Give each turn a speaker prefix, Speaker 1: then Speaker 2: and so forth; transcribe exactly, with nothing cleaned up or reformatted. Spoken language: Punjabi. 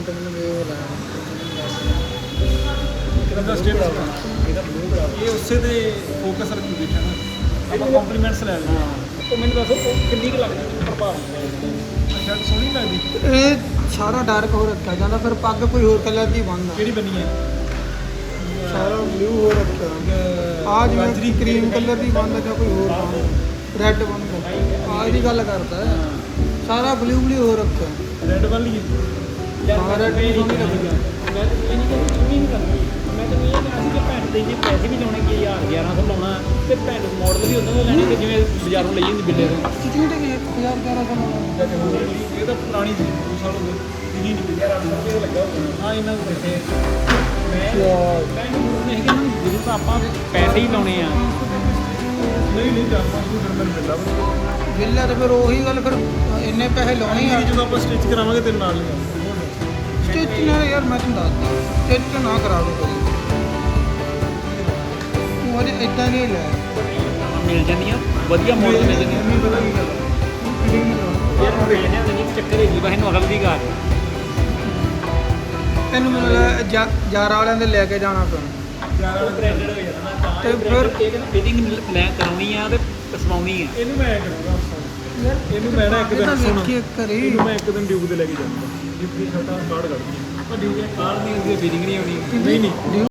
Speaker 1: ਇਹਦਾ ਸਟੇਟਸ ਇਹਦਾ ਬਲੂ ਬਣਾ ਇਹ ਉਸੇ ਦੇ ਫੋਕਸ ਰੱਖੀ ਬੈਠਾ ਨਾ ਆਪਾਂ ਕੰਪਲੀਮੈਂਟਸ ਲੈ ਲੈਂਦੇ ਹਾਂ। ਉਹ ਮੈਨੂੰ ਦੱਸੋ ਉਹ ਕਿੰਨੀ ਕੁ ਲੱਗਦੀ ਪ੍ਰਭਾਵ ਅੱਛਾ ਸੋਹਣੀ ਲੱਗਦੀ
Speaker 2: ਇਹ ਸਾਰਾ ਡਾਰਕ ਹੋ ਰੱਖਿਆ ਜਾਂਦਾ ਫਿਰ ਪੱਗ ਕੋਈ ਹੋਰ ਕਲਰ ਦੀ ਬੰਨਦਾ
Speaker 1: ਕਿਹੜੀ ਬਣੀ ਹੈ
Speaker 2: ਸਾਰਾ ਬਲੂ ਹੋ ਰੱਖਿਆ ਆ ਜਿਵੇਂ ਕਰੀਮ ਕਲਰ ਦੀ ਬੰਨਦਾ ਜਾਂ ਕੋਈ ਹੋਰ ਬੰਨਦਾ ਰੈੱਡ ਬੰਨਦਾ ਆ ਇਹਦੀ ਗੱਲ ਕਰਦਾ ਸਾਰਾ ਬਲੂ ਬਲੂ ਹੋ ਰੱਖਿਆ
Speaker 1: ਰੈੱਡ ਵਾਲੀ ਹੈ
Speaker 2: ਹਾਂ ਰੈੱਡ ਵੀ ਸੋਹਣੀ ਲੱਗਦੀ ਆ
Speaker 3: ਮੈਂ ਤਾਂ ਇਹ ਨਹੀਂ ਕਹਿੰਦੀ ਚੁੰਨੀ ਨਹੀਂ ਕਰਨੀ ਮੈਂ ਤਾਂ ਇਹ ਕਿਹਾ ਸੀ ਕਿ ਭੈਣ ਦੇ ਜੇ ਪੈਸੇ ਵੀ ਲਾਉਣੇ ਕਿ ਹਜ਼ਾਰ ਗਿਆਰਾਂ ਸੌ ਲਾਉਣਾ ਤੇ ਭੈਣ ਮਾਡਲ ਵੀ ਉਹਨਾਂ ਦਾ ਲੈਣੇ ਕਿ ਜਿਵੇਂ ਬਾਜ਼ਾਰੋਂ ਲਈ ਜਾਂਦੀ ਬਿੱਲੇ ਤੋਂ
Speaker 2: ਕਿੰਨੇ ਦੇ ਇੱਕ ਹਜ਼ਾਰ ਗਿਆਰਾਂ ਸੌ
Speaker 1: ਇਹ ਤਾਂ ਪੁਰਾਣੀ ਸੀ ਦੋ ਸਾਲ ਹੋ ਗਏ ਦਿਨੀ ਨਹੀਂ ਪਿਆ ਰੁਪਏ ਲੱਗਾ ਹਾਂ ਇਹਨਾਂ ਨੂੰ ਬੈਠੇ ਮੈਂ
Speaker 3: ਮੈਂ ਨਹੀਂ ਕਿ ਇਹਨਾਂ ਨੂੰ ਜਦੋਂ ਤਾਂ ਆਪਾਂ ਪੈਸੇ ਹੀ ਲਾਉਣੇ ਆ
Speaker 1: ਨਹੀਂ ਨਹੀਂ ਚਾਰ ਪੰਜ ਸੌ ਫਿਰ ਮੈਨੂੰ ਮਿਲਦਾ
Speaker 2: ਬਿੱਲਾ ਤੇ ਫਿਰ ਉਹੀ ਗੱਲ ਫਿਰ ਇੰਨੇ ਪੈਸੇ ਲਾਉਣੇ ਆ
Speaker 1: ਜਦੋਂ ਆਪਾਂ ਸਟਿਚ ਕਰਾਵਾਂਗੇ ਤੇਰੇ ਨਾਲ ਲਿਆ
Speaker 2: ਸਟਿਚ ਨਾਲ ਯਾਰ ਮੈਂ ਤੁਹਾਨੂੰ ਦੱਸਦਾ ਸਟਿਚ ਨਾ ਕਰਾਵੇ ਕੋਈ ਤੂੰ ਅਜੇ ਇਦਾਂ ਨਹੀਂ ਲੈ
Speaker 3: ਮਿਲ ਜਾਂਦੀਆਂ ਵਧੀਆ ਮਾਡਲ ਮਿਲ ਜਾਂਦੀਆਂ
Speaker 1: ਨਹੀਂ ਪਤਾ ਕੀ ਗੱਲ
Speaker 3: ਯਾਰ ਮਿਲ ਜਾਂਦੀਆਂ ਤੇ ਨਹੀਂ ਚੱਕਰ ਹੈਗੀ ਬਸ ਇਹਨੂੰ ਅਗਲ ਦੀ ਗੱਲ
Speaker 2: ਤੈਨੂੰ ਮੈਨੂੰ ਲੱਗਦਾ ਜਾਰਾ ਵਾਲਿਆਂ ਦੇ ਲੈ ਕੇ ਜਾਣਾ ਪੈਣਾ
Speaker 1: ਯਾਰ
Speaker 3: ਬ੍ਰਾਂਡਡ ਹੋ ਜਾਂਦਾ ਤਾਂ
Speaker 2: ਤੇ ਫਿਰ
Speaker 3: ਫਿਟਿੰਗ ਲੈ ਕਰਾਉਣੀ ਆ ਤੇ ਸਵਾਉਣੀ ਆ
Speaker 1: ਇਹਨੂੰ ਮੈਂ ਕਰੂੰਗਾ ਇਹਨੂੰ ਮੈਂ ਨਾ ਇੱਕ ਦਿਨ ਸੁਣ ਇਹਨੂੰ ਮੈਂ ਇੱਕ ਦਿਨ ਡਿਊਬ ਤੇ ਲੈ ਕੇ ਜਾਊਂਗਾ ਡਿਊਬ ਦੀ ਛੋਟਾ ਕਾਰਡ ਕੱਢ ਦੂੰਗਾ
Speaker 3: ਪਰ ਡਿਊਟੀ ਕਾਰ ਨਹੀਂ ਹੁੰਦੀ ਫਿਟਿੰਗ ਨਹੀਂ ਆਉਣੀ
Speaker 1: ਨਹੀਂ ਨਹੀਂ